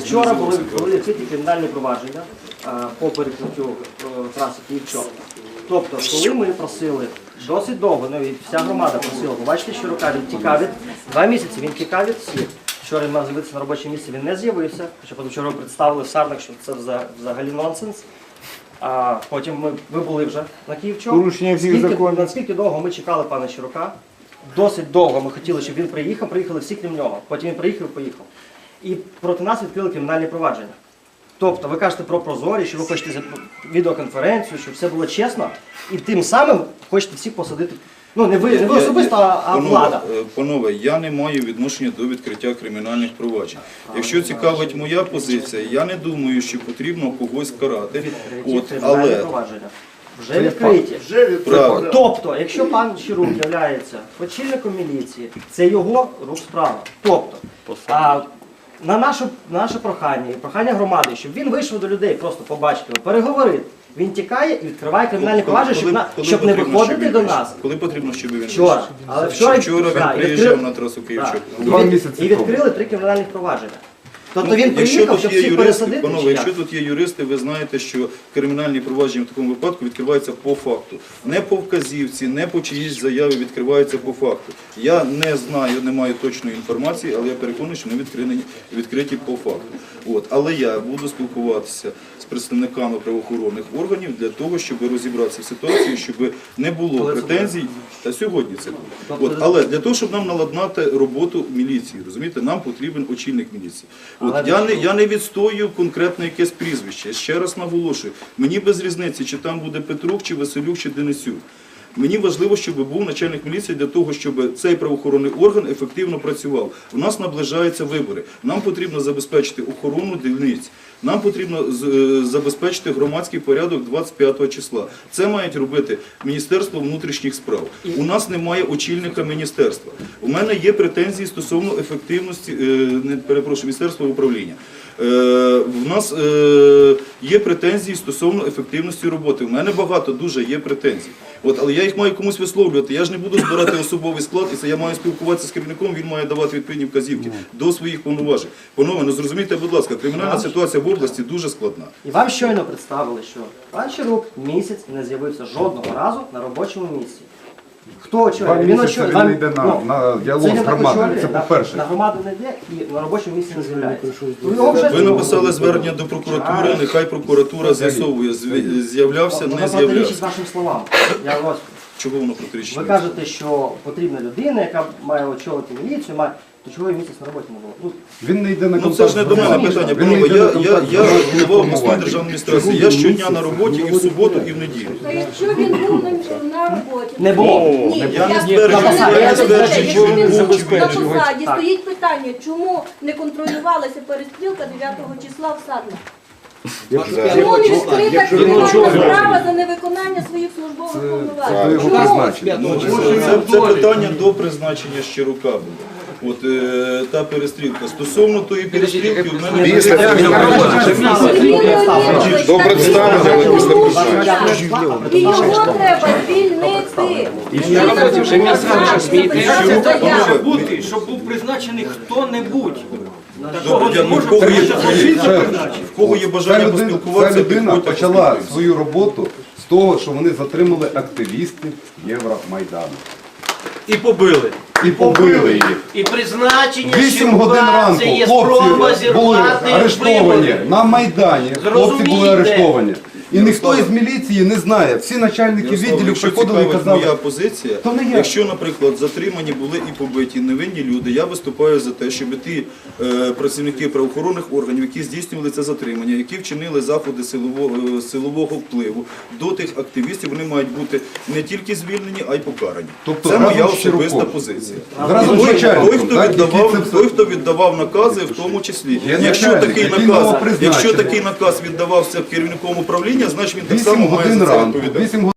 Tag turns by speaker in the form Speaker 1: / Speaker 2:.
Speaker 1: Вчора були відкриті кримінальні провадження по перекриттю траси Київ-Чоп. Тобто, коли ми просили досить довго, ну і вся громада просила, бачите, що рука він тікав від 2 місяці, він тікав від всіх. Вчора він мав з'явитися на робоче місце, він не з'явився, хоча вчора представили в Сарнах, що це взагалі нонсенс. А потім ми були вже на Київ-Чоп.
Speaker 2: Порушення всіх законів.
Speaker 1: Наскільки довго ми чекали пана Щирока? Досить довго ми хотіли, щоб він приїхав, приїхали всі крім нього. Потім він приїхав і поїхав. І проти нас відкрили кримінальні провадження. Тобто ви кажете про прозорість, що ви хочете відеоконференцію, щоб все було чесно, і тим самим хочете всіх посадити. Ну, не ви особисто, а влада.
Speaker 3: Панове, я не маю відношення до відкриття кримінальних проваджень. Якщо цікавить моя позиція, я не думаю, що потрібно когось карати.
Speaker 1: Кримінальні провадження вже відкриті. Тобто, якщо пан Щирук є очільником міліції, це його рук справа. Тобто, на наше прохання і прохання громади, щоб він вийшов до людей, просто побачити, переговорити. Він тікає і відкриває кримінальні провадження, щоб не виходити до нас.
Speaker 3: Коли потрібно, щоб він
Speaker 1: вчора. Але вчора
Speaker 3: він приїжджав на трасу Київ-Чоп.
Speaker 1: І відкрили 3 кримінальних провадження. Тобто він приїхав, щоб всіх пересадити?
Speaker 3: Панове, якщо тут є юристи, ви знаєте, що кримінальні провадження в такому випадку відкриваються по факту. Не по вказівці, не по чиїсь заяві, відкриваються по факту. Я не знаю, не маю точної інформації, але я переконаний, що вони відкриті по факту. Але я буду спілкуватися з представниками правоохоронних органів для того, щоб розібратися в ситуації, щоб не було претензій. Та сьогодні це буде. Але для того, щоб нам наладнати роботу міліції, розумієте, нам потрібен очільник міліції. Я не відстоюю конкретно якесь прізвище. Ще раз наголошую, мені без різниці, чи там буде Петрук, чи Василюк, чи Денисюк. Мені важливо, щоб був начальник міліції для того, щоб цей правоохоронний орган ефективно працював. У нас наближаються вибори. Нам потрібно забезпечити охорону дільниць. Нам потрібно забезпечити громадський порядок 25 числа. Це мають робити Міністерство внутрішніх справ. У нас немає очільника міністерства. У мене є претензії стосовно ефективності, Міністерства управління. У нас є претензії стосовно ефективності роботи. У мене багато дуже є претензій. Але я їх маю комусь висловлювати. Я ж не буду збирати особовий склад, і я маю спілкуватися з керівником, він має давати відповідні вказівки до своїх повноважень. Панове, зрозумійте, будь ласка, кримінальна ситуація в області дуже складна.
Speaker 1: І вам щойно представили, що пан Щирук місяць не з'явився жодного разу на робочому місці. Хто очолює?
Speaker 2: Він не йде на діалог з громадою, це по-перше.
Speaker 1: На громаду не йде і на робочому місці не з'являється.
Speaker 3: Ви написали звернення до прокуратури, нехай прокуратура з'ясовує, з'являвся, не
Speaker 1: з'являвся. Воно протирічить вашим словам.
Speaker 3: Чого воно протирічить?
Speaker 1: Ви кажете, що потрібна людина, яка має очолити міліцію, то чого її місяць на роботі не було?
Speaker 2: Він не йде на контакт.
Speaker 3: Це ж не до мене питання. Я голова обласної державної адміністрації. Я щодня на роботі і в суботу, і в неділю.
Speaker 4: То якщо він був на роботі?
Speaker 1: Не було.
Speaker 3: Я не стверджую, що він був.
Speaker 4: На посаді стоїть питання, чому не контролювалася перестрілка 9 числа в Сарнах? Чому не відкрита кримінальна справа за невиконання своїх службових повноважень?
Speaker 3: Це питання до призначення Щирука було. Та перестрілка. Стосовно тої перестрілки, в мене...
Speaker 2: До представлення, але після призначення.
Speaker 4: І його треба звільнити.
Speaker 5: Щоб був призначений хто-небудь.
Speaker 3: В кого є бажання поспілкуватися,
Speaker 2: ця людина почала свою роботу з того, що вони затримали активістів Євромайдану.
Speaker 5: І побили.
Speaker 2: І побили їх.
Speaker 5: І призначення
Speaker 2: 8 годин ранку
Speaker 5: це є спроба
Speaker 2: хлопці були
Speaker 5: зірвати
Speaker 2: арештовані
Speaker 5: вибори.
Speaker 2: на Майдані. Хлопці були
Speaker 5: Зрозумійте.
Speaker 2: арештовані. І ніхто із міліції не знає. Всі начальники відділів
Speaker 3: Якщо
Speaker 2: приходили і
Speaker 3: цікавить
Speaker 2: казали,
Speaker 3: моя позиція,
Speaker 2: то не я.
Speaker 3: якщо, наприклад, затримані були і побиті невинні люди, я виступаю за те, щоб ті працівники правоохоронних органів, які здійснювали це затримання, які вчинили заходи силового впливу до тих активістів, вони мають бути не тільки звільнені, а й покарані.
Speaker 2: Тобто
Speaker 3: це моя
Speaker 2: разом з Щироком.
Speaker 3: особиста позиція.
Speaker 2: Разом з начальником,
Speaker 3: Той, хто віддавав накази, в тому числі.
Speaker 2: Є
Speaker 3: Якщо
Speaker 2: начальник, який новопризначений.
Speaker 3: такий наказ віддавався керівником управління, значить він так
Speaker 2: 8
Speaker 3: само має
Speaker 2: годин
Speaker 3: за це
Speaker 2: ранку,
Speaker 3: відповідати.